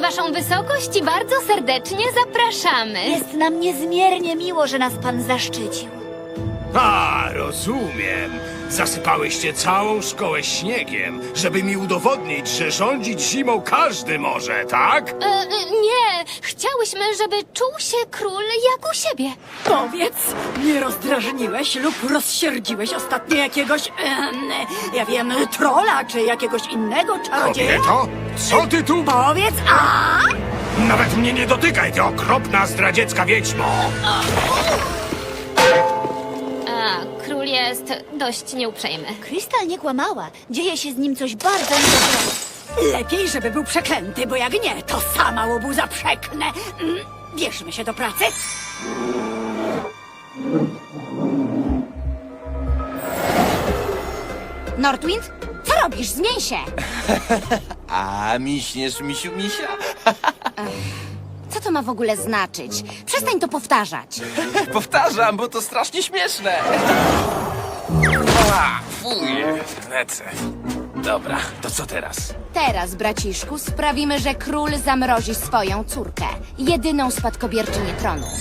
waszą wysokość i bardzo serdecznie zapraszamy. Jest nam niezmiernie miło, że nas pan zaszczycił. A, rozumiem. Zasypałyście całą szkołę śniegiem, żeby mi udowodnić, że rządzić zimą każdy może, tak? Nie, chciałyśmy, żeby czuł się król jak u siebie. Powiedz, nie rozdrażniłeś lub rozsierdziłeś ostatnio jakiegoś, ja wiem, trola czy jakiegoś innego czarodzieja? Kobieto, co ty tu? Powiedz, a? Nawet mnie nie dotykaj, ty okropna zdradziecka wiedźmo! A, król jest dość nieuprzejmy. Krystal nie kłamała. Dzieje się z nim coś bardzo niedobrego. Lepiej, żeby był przeklęty, bo jak nie, to sama łobuza przeknę. Bierzmy się do pracy. Northwind, co robisz? Zmień się! A miśniesz, misiu, misia? Co to ma w ogóle znaczyć? Przestań to powtarzać. Powtarzam, bo to strasznie śmieszne. A, fuj, lecę. Dobra, to co teraz? Teraz, braciszku, sprawimy, że król zamrozi swoją córkę. Jedyną spadkobierczynię tronu.